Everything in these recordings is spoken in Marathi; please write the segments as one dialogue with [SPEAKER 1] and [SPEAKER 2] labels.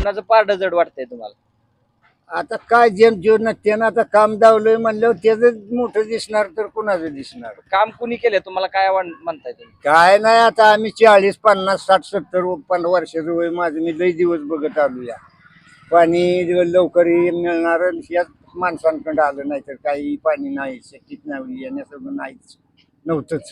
[SPEAKER 1] कुणाचं पारड जड वाटतंय तुम्हाला?
[SPEAKER 2] आता काय जेवण त्यानं आता काम दावलंय म्हणल्यावर त्याच मोठं दिसणार तर कुणाचं दिसणार.
[SPEAKER 1] काम कुणी केलंय तुम्हाला काय म्हणताय तुम्ही?
[SPEAKER 2] काय नाही आता आम्ही 40, 50, 60, 70 वर्षाचं वय माझं, मी लई दिवस बघत आलो या. पाणी लवकर मिळणार याच माणसांकडे आलं नाही तर काही पाणी नाही, शेतीत नाही येण्यासोबत नाहीच नव्हतंच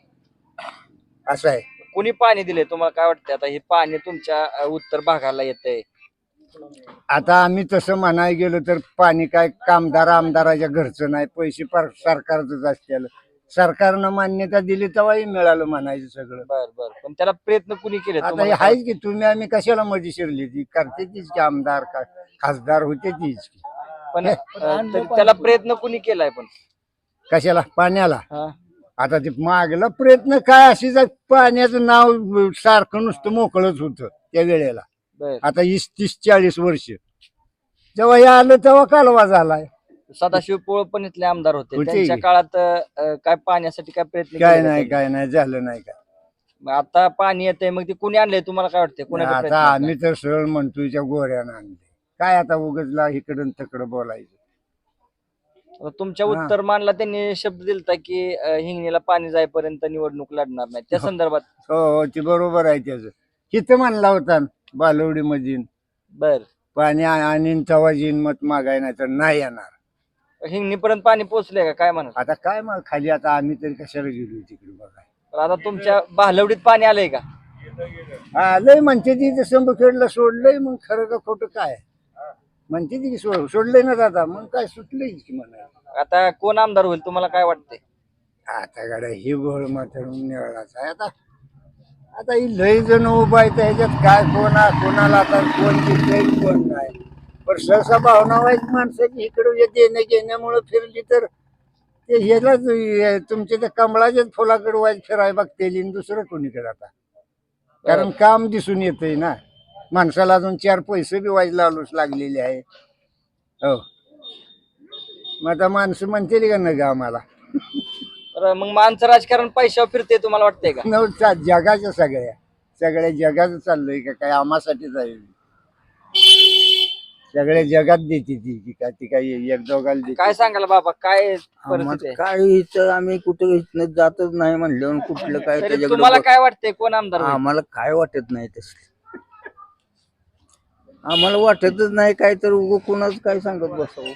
[SPEAKER 2] असं आहे.
[SPEAKER 1] कुणी पाणी दिले तुम्हाला काय वाटतंय? आता हे पाणी तुमच्या उत्तर भागाला येतंय.
[SPEAKER 2] आता आम्ही तसं म्हणायला गेलो तर पाणी काय कामदार आमदाराच्या घरचं नाही, पैसे सरकारचंच असतील. सरकारनं मान्यता दिली तेव्हाही मिळालं म्हणायचं सगळं.
[SPEAKER 1] बर बर, पण त्याला प्रयत्न कुणी केले?
[SPEAKER 2] आता हे आहेच की, तुम्ही आम्ही कशाला मध्ये शिरली ती करते तीच की, आमदार खासदार होते तीच की.
[SPEAKER 1] पण त्याला प्रयत्न कुणी केलाय पण?
[SPEAKER 2] कशाला? पाण्याला.
[SPEAKER 1] हा.
[SPEAKER 2] आता ते मागला प्रयत्न काय, अशीच पाण्याचं नाव सारखं नुसतं मोकळच होतं त्या वेळेला.
[SPEAKER 1] बर.
[SPEAKER 2] आता 30, 40 वर्ष जेव्हा हे आलं तेव्हा कालवा झालाय.
[SPEAKER 1] सदाशिव पोळ पण इथले आमदार होते,
[SPEAKER 2] होते
[SPEAKER 1] त्यांच्या
[SPEAKER 2] की.
[SPEAKER 1] काळात काय पाण्यासाठी काय प्रयत्न
[SPEAKER 2] काय
[SPEAKER 1] केले
[SPEAKER 2] नाही
[SPEAKER 1] का
[SPEAKER 2] काय नाही झालं नाही काय.
[SPEAKER 1] मग आता पाणी येतंय, मग ते कुणी आणलंय तुम्हाला काय वाटतंय? कुणाचा
[SPEAKER 2] आता
[SPEAKER 1] प्रयत्न आहे?
[SPEAKER 2] आम्ही तर सरळ म्हणतोय त्या गोऱ्यानं आणले. काय आता उगजला इकडून तिकडं बोलायचं.
[SPEAKER 1] आता तुमच्या उत्तर मानला त्यांनी शब्द दिलता की हिंगणीला पाणी जाईपर्यंत निवडणूक लढणार नाही, त्या संदर्भात?
[SPEAKER 2] हो ते बरोबर आहे त्याचं. किती म्हणला होता बालवडी मध्ये
[SPEAKER 1] बर.
[SPEAKER 2] पाणी आणि तेव्हा जीन मत मागाय नाही तर नाही येणार.
[SPEAKER 1] हिंगणीपर्यंत पाणी पोहोचले का काय म्हणत?
[SPEAKER 2] आता काय मग खाली आता आम्ही तरी कशाला गेलो तिकडे बघाय.
[SPEAKER 1] तर आता तुमच्या भालवडीत पाणी आलंय का?
[SPEAKER 2] लय म्हणते ती संबखेडला सोडलंय, मग खरं का खोटं काय म्हणते ती सोडलंय ना दादा, मग काय सुटलंय की म्हणा.
[SPEAKER 1] आता कोण आमदार होईल तुम्हाला काय वाटतंय?
[SPEAKER 2] आता गाड्या ही गोळ मात्र निवडायचा आहे. आता आता ही लय जण उभा आहे ह्याच्यात काय कोणाला आता कोण जिंकलंय कोण नाही. पण सहसा भावना वाईट माणसाची इकडे देण्या घेण्यामुळे फिरली तर ते ह्यालाच तुमच्या त्या कमळाच्याच फुलाकडे वाईट फिराय बघते दुसरं कोणीकडे आता. कारण काम दिसून येतंय ना माणसाला, अजून 4 पैसे बी वाईट लावूच लागलेले आहे. हो मग आता माणसं म्हणतील का नाही आम्हाला?
[SPEAKER 1] तर मग माणसं राजकारण पैशावर फिरते तुम्हाला वाटतंय का?
[SPEAKER 2] नव्हता जगाच्या सगळ्या जगाचं चाललंय का काय आम्हासाठीच आहे. सगळ्या जगात देते ती का ती काही एक दोघाला देते.
[SPEAKER 1] काय सांगाल बाबा, काय परिस्थिती आहे?
[SPEAKER 3] काय इथं आम्ही कुठं इथनं जातच नाही म्हणलं कुठलं काय
[SPEAKER 1] तरी तुम्हाला काय वाटतंय कोण आमदार होईल?
[SPEAKER 3] आम्हाला काय वाटत नाही तसं. आम्हाला वाटतच नाही काय, तर उगं कोणाच काय सांगत बसावं.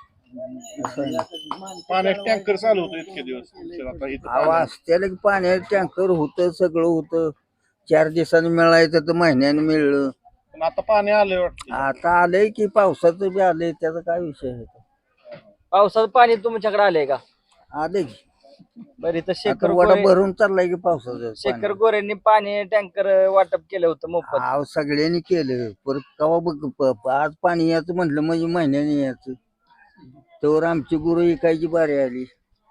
[SPEAKER 4] पाण्यात टँकर चालू होतो इतके दिवस. आता इथं
[SPEAKER 3] आवाज त्याला की पाण्यात टँकर होतं, सगळं होतं. 4 दिवसांनी मिळायचं तर महिन्याने मिळलं.
[SPEAKER 4] पण आता पाणी आलंय वाटतं.
[SPEAKER 3] आता आलंय की पावसाचं बी आलंय, त्याचा काय विषय आहे?
[SPEAKER 1] पावसाचं पाणी तुमच्याकडे आलंय का?
[SPEAKER 3] आलंय की.
[SPEAKER 1] बरं, इथं
[SPEAKER 3] आता वडा भरून चाललाय की पावसाचं
[SPEAKER 1] शेखर गोरेंनी पाणी टँकर वाटप केलं होतं मोफत.
[SPEAKER 3] सगळ्यांनी केलं. परत कवा बघ आज पाणी यायचं म्हटलं म्हणजे महिन्याने यायचं. तर आमची गुरु इकायची बारी आली.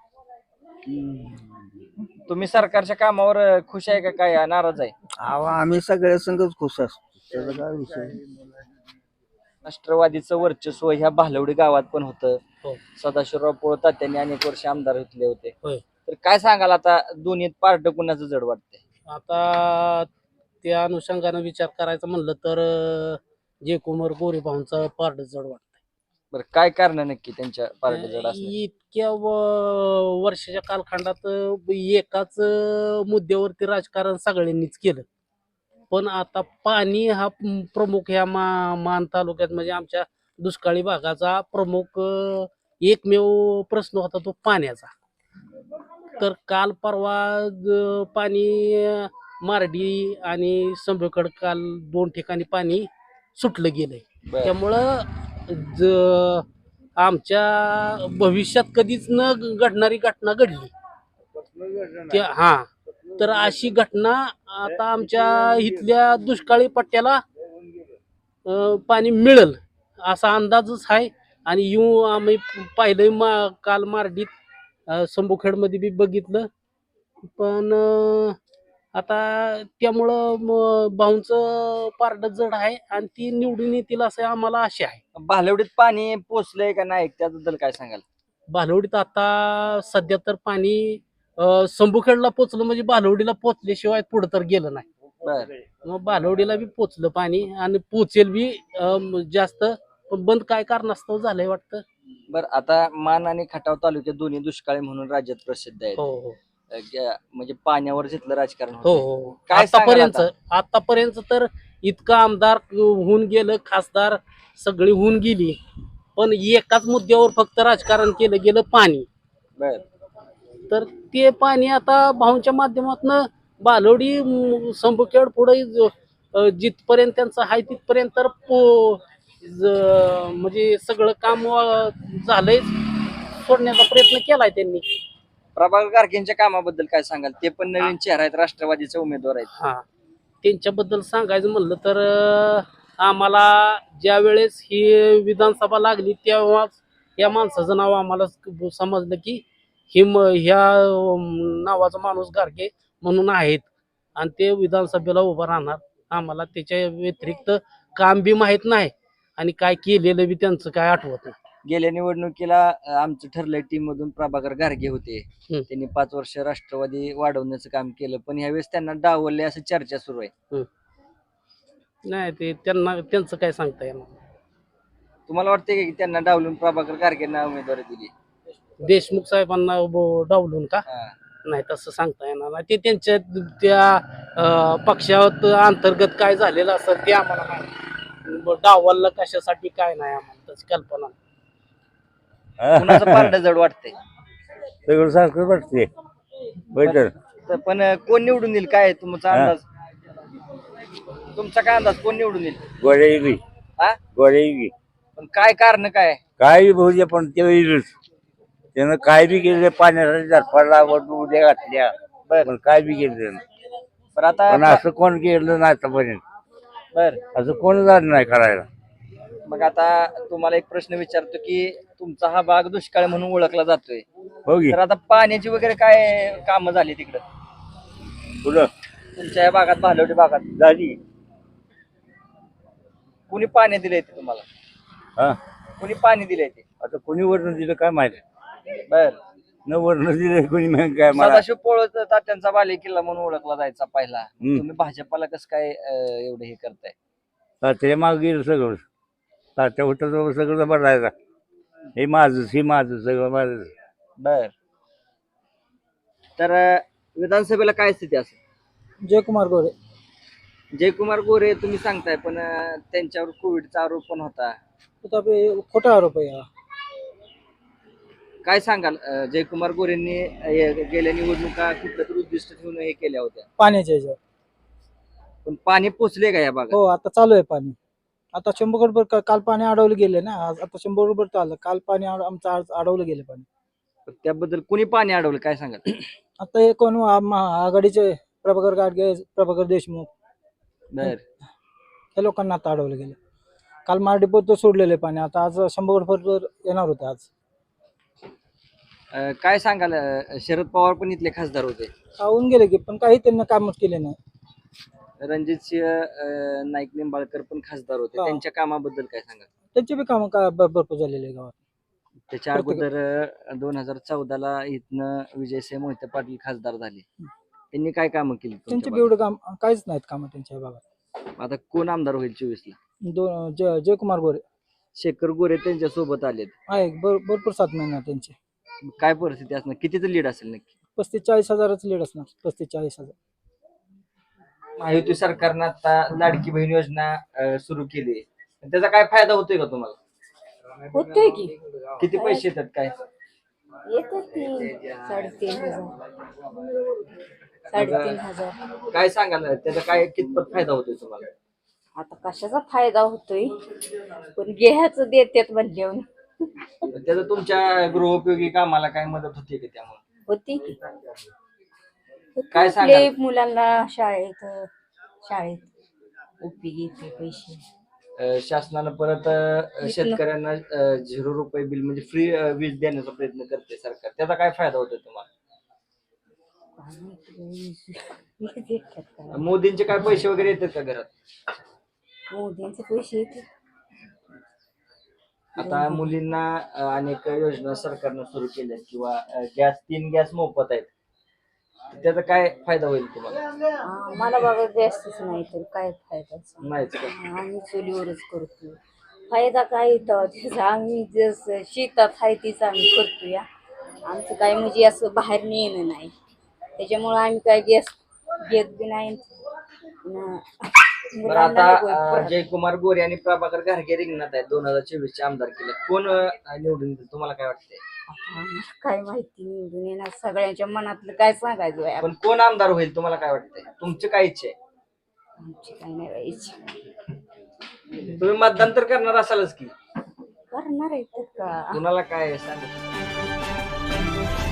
[SPEAKER 1] तुम्ही सरकारच्या कामावर खुश आहे का काय नाराज आहे?
[SPEAKER 3] आम्ही सगळ्या संगच खुश असतो, त्याचा काय विषय.
[SPEAKER 1] राष्ट्रवादीचं वर्चस्व ह्या भालवडी गावात पण होतं. सदाशिवराव पोळ तात्यांनी अनेक वर्ष आमदार घेतले होते. तर काय सांगाल आता दोन्हीत पारड कुणाचं जड वाटतंय?
[SPEAKER 5] आता त्या अनुषंगानं विचार करायचा म्हणलं तर जयकुमार गोरे भाऊंचा पारड जड वाटतंय.
[SPEAKER 1] बरं, काय कारण नक्की त्यांच्या पारड जड असण्याची?
[SPEAKER 5] इतक्या वर्षाच्या कालखंडात एकाच मुद्द्यावरती राजकारण सगळ्यांनीच केलं, पण आता पाणी हा प्रमुख ह्या मान तालुक्यात म्हणजे आमच्या दुष्काळी भागाचा प्रमुख एकमेव प्रश्न होता तो पाण्याचा. तर काल परवा पाणी मार्डी आणि संभेकड काल 2 ठिकाणी पाणी सुटलं गेलंय. त्यामुळं आमच्या भविष्यात कधीच न घडणारी घटना घडली. तर अशी घटना आता आमच्या इथल्या दुष्काळी पट्ट्याला पाणी मिळेल असा अंदाजच आहे. आणि आम्ही पाहिलं काल मार्डीत संभूखेडमध्ये बी बघितलं. पण आता त्यामुळं भाऊंचं पारड जड आहे आणि ती निवडून येतील असं आम्हाला आशा आहे.
[SPEAKER 1] भालवडीत पाणी पोचलंय का नाही त्याबद्दल काय सांगाल?
[SPEAKER 5] भालवडीत आता सध्या तर पाणी संभूखेडला पोचलं म्हणजे भालवडीला पोचल्याशिवाय पुढे तर गेलं नाही.
[SPEAKER 1] बर
[SPEAKER 5] मग बालवडीला बी पोचलं पाणी आणि पोचेल बी जास्त, पण बंद काय कारणास्तव झालंय वाटतं.
[SPEAKER 1] बर आता मान आणि खटाव तालुके दोन्ही दुष्काळी म्हणून राज्यात प्रसिद्ध आहेत.
[SPEAKER 5] हो हो
[SPEAKER 1] म्हणजे पाण्यावर जिथलं राजकारण
[SPEAKER 5] हो
[SPEAKER 1] होतंय.
[SPEAKER 5] हो
[SPEAKER 1] काय सांगाल
[SPEAKER 5] आतापर्यंत तर इतकं आमदार होऊन गेलं, खासदार सगळी होऊन गेली, पण एकाच मुद्द्यावर फक्त राजकारण केलं गेलं, पाणी.
[SPEAKER 1] बर
[SPEAKER 5] तर ते पाणी आता भाऊंच्या माध्यमातून बालोडी संबुखेड पुढे जिथपर्यंत त्यांचं आहे तिथपर्यंत तर म्हणजे सगळं काम झालंय, सोडण्याचा प्रयत्न केलाय त्यांनी.
[SPEAKER 1] प्रभाकर गारगेंच्या कामाबद्दल काय सांगाल? ते पण नवीन चेहरा आहेत, राष्ट्रवादीचे उमेदवार आहेत.
[SPEAKER 5] हा, त्यांच्याबद्दल सांगायचं म्हणलं तर आम्हाला ज्या वेळेस ही विधानसभा लागली तेव्हाच या माणसाचं नाव आम्हाला समजलं की ह्या नावाचा माणूस गारगे म्हणून आहेत आणि ते विधानसभेला उभा राहणार. आम्हाला त्याच्या व्यतिरिक्त काम बी माहित नाही आणि काय केलेलं बी त्यांचं काय आठवत नाही.
[SPEAKER 1] गेल्या निवडणुकीला आमचं ठरलंय टीम मधून प्रभाकर गारगे होते. त्यांनी 5 वर्ष राष्ट्रवादी वाढवण्याचं काम केलं, पण यावेळेस त्यांना डावलले असं चर्चा सुरू आहे.
[SPEAKER 5] नाही ते त्यांचं काय सांगता येणार.
[SPEAKER 1] तुम्हाला वाटतंय की त्यांना डावलून प्रभाकर गारगेंना उमेदवारी दिली?
[SPEAKER 5] देशमुख साहेबांना डावलून का?
[SPEAKER 1] हा.
[SPEAKER 5] नाही तसं सांगता येणार नाही. ते त्यांच्या त्या पक्षात अंतर्गत काय झालेलं असेल ते आम्हाला माहिती. डावललं कशासाठी काय नाही आम्हाला त्याची कल्पना नाही.
[SPEAKER 1] कुणाचं पारडं जड वाटतंय?
[SPEAKER 3] सगळं सारखं वाटते
[SPEAKER 1] पण कोण निवडून येईल काय तुमचा अंदाज? तुमचा काय अंदाज, कोण निवडून येईल?
[SPEAKER 3] गोड्याई
[SPEAKER 1] हा
[SPEAKER 3] गोड्याई
[SPEAKER 1] पण काय कारण काय?
[SPEAKER 3] काय भाऊ दे, पण ते येईलच. त्यानं काय बी केलं, पाण्यासाठी झरपाडला उद्या घातल्या, पण काय बी केलं त्यानं.
[SPEAKER 1] पण आता
[SPEAKER 3] पण असं कोण केलं नाही आतापर्यंत,
[SPEAKER 1] बर
[SPEAKER 3] असं कोण झालं नाही करायला.
[SPEAKER 1] मग आता तुम्हाला एक प्रश्न विचारतो की तुमचा हा भाग दुष्काळ म्हणून ओळखला जातोय,
[SPEAKER 3] हो की
[SPEAKER 1] तर आता पाण्याची वगैरे काय कामं झाली तिकडं
[SPEAKER 3] पुढं
[SPEAKER 1] तुमच्या या भागात, भालवडी भागात?
[SPEAKER 3] झाली.
[SPEAKER 1] कुणी पाणी दिलंय ते तुम्हाला?
[SPEAKER 3] हा,
[SPEAKER 1] कुणी पाणी दिलंय ते?
[SPEAKER 3] आता कोणी वर्ण दिलं काय माहिती,
[SPEAKER 1] बर
[SPEAKER 3] न वर्ण दिलं कोणी मग काय मला.
[SPEAKER 1] सदाशिव पोळत तात्यांचा बाले किल्ला म्हणून ओळखला जायचा पहिला. तुम्ही भाजपाला कसं काय एवढं हे करताय?
[SPEAKER 3] तात्या माग गेलं सगळं, तात्या होतं सगळं बदलायचा. हे माझं सगळं माझं.
[SPEAKER 1] बर तर विधानसभेला काय स्थिती असेल?
[SPEAKER 6] जयकुमार गोरे.
[SPEAKER 1] जयकुमार गोरे तुम्ही सांगताय, पण त्यांच्यावर कोविडचा आरोप पण होता.
[SPEAKER 6] खोटा आरोप आहे हा.
[SPEAKER 1] काय सांगाल? जयकुमार गोरेंनी गेल्या निवडणुका कुठलं तरी उद्दिष्ट ठेवून हे केल्या होत्या,
[SPEAKER 6] पाण्याच्या ह्याच्यावर.
[SPEAKER 1] पण पाणी पोचले का या भागात?
[SPEAKER 6] हो, आता चालू आहे पाणी. आता 100 काल पाणी अडवलं गेले ना, आता 100 चाललं. काल पाणी आमचं अडवलं गेलं पाणी.
[SPEAKER 1] त्याबद्दल कुणी पाणी अडवलं काय सांगाल?
[SPEAKER 6] आता हे कोण आघाडीचे प्रभाकर गाडगे, प्रभाकर देशमुख,
[SPEAKER 1] बर
[SPEAKER 6] त्या लोकांना आता अडवलं गेलं. काल मारडीपोत सोडलेले पाणी, आता आज 100 येणार होते आज.
[SPEAKER 1] काय सांगाल? शरद पवार पण इथले खासदार होते.
[SPEAKER 6] होऊन गेले की, पण काही त्यांना कामच केले नाही.
[SPEAKER 1] रणजितसिंह नाईक निंबाळकर पण खासदार होते,
[SPEAKER 6] हा.
[SPEAKER 1] त्यांच्या कामाबद्दल काय सांगाल?
[SPEAKER 6] त्यांचे बी काम भरपूर झालेले आहे गावात.
[SPEAKER 1] त्याच्या अगोदर 2014ला इथनं विजयसिंह मोहिते पाटील खासदार झाले. त्यांनी काय कामं केली
[SPEAKER 6] त्यांचे
[SPEAKER 1] तुमच्या
[SPEAKER 6] बी एवढं काम काहीच नाहीत काम त्यांच्या भागात.
[SPEAKER 1] भागात? आता कोण आमदार होईल 24ला?
[SPEAKER 6] जयकुमार गोरे
[SPEAKER 1] शेखर गोरे त्यांच्या सोबत आलेत.
[SPEAKER 6] आहे. भरपूर 7 महिना त्यांचे.
[SPEAKER 1] काय परिस्थिती असणार? कितीचं लीड असेल नक्की?
[SPEAKER 6] 35-40 हजाराचं लीड असणार. 35-40 हजार.
[SPEAKER 1] महायुती सरकारनं आता लाडकी बहीण योजना सुरू केली, त्याचा काय फायदा होतोय का तुम्हाला?
[SPEAKER 7] होतोय की.
[SPEAKER 1] किती पैसे येतात काय?
[SPEAKER 7] येतात की 3,500.
[SPEAKER 1] काय सांगाल त्याचा काय कितपत फायदा होतोय तुम्हाला?
[SPEAKER 7] आता कशाचा फायदा होतोय, पण घ्यायचं देतात म्हणल्यावर
[SPEAKER 1] त्याचा तुमच्या गृहोपयोगी कामाला काय मदत होते का त्यामुळे?
[SPEAKER 7] होती की.
[SPEAKER 1] काय
[SPEAKER 7] आपले
[SPEAKER 1] सांगाल?
[SPEAKER 7] मुलांना शाळेत उपयोगी येते पैसे.
[SPEAKER 1] शासनानं परत शेतकऱ्यांना 0 रुपये बिल म्हणजे फ्री वीज देण्याचा प्रयत्न करते सरकार, त्याचा काय फायदा होतोय तुम्हाला? मोदींचे काय पैसे वगैरे येतात का घरात?
[SPEAKER 7] मोदींचे पैसे येते.
[SPEAKER 1] आता मुलींना अनेक योजना सरकारनं सुरू केल्यात किंवा 3 गॅस मोफत आहेत. त्याचा काय फायदा होईल तुम्हाला?
[SPEAKER 7] मला बाबा जास्तच नाही तर काय फायदा सांग.
[SPEAKER 1] नाहीच का?
[SPEAKER 7] आम्ही चुलीवरच करतो. फायदा काय येतो त्याचा? आम्ही जसं शेतात आहे तीच आम्ही करतो या. आमचं काय म्हणजे असं बाहेर नेणं नाही, त्याच्यामुळं आम्ही काय गॅस घेत बी नाही.
[SPEAKER 1] बरं आता जयकुमार गोरे आणि प्रभाकर घारगे रिंगणात आहे 2024 चे आमदार केले. कोण निवडून येईल तुम्हाला काय वाटतंय?
[SPEAKER 7] काय माहिती निवडून येणार, सगळ्यांच्या मनातलं काय सांगायचं आहे
[SPEAKER 1] पण कोण आमदार होईल तुम्हाला काय वाटतंय? तुमची काय इच्छा आहे?
[SPEAKER 7] आमची काय नाही व्हायची.
[SPEAKER 1] तुम्ही मतदान तर करणार असालच की,
[SPEAKER 7] करणार आहे तर का?
[SPEAKER 1] कुणाला काय सांगू?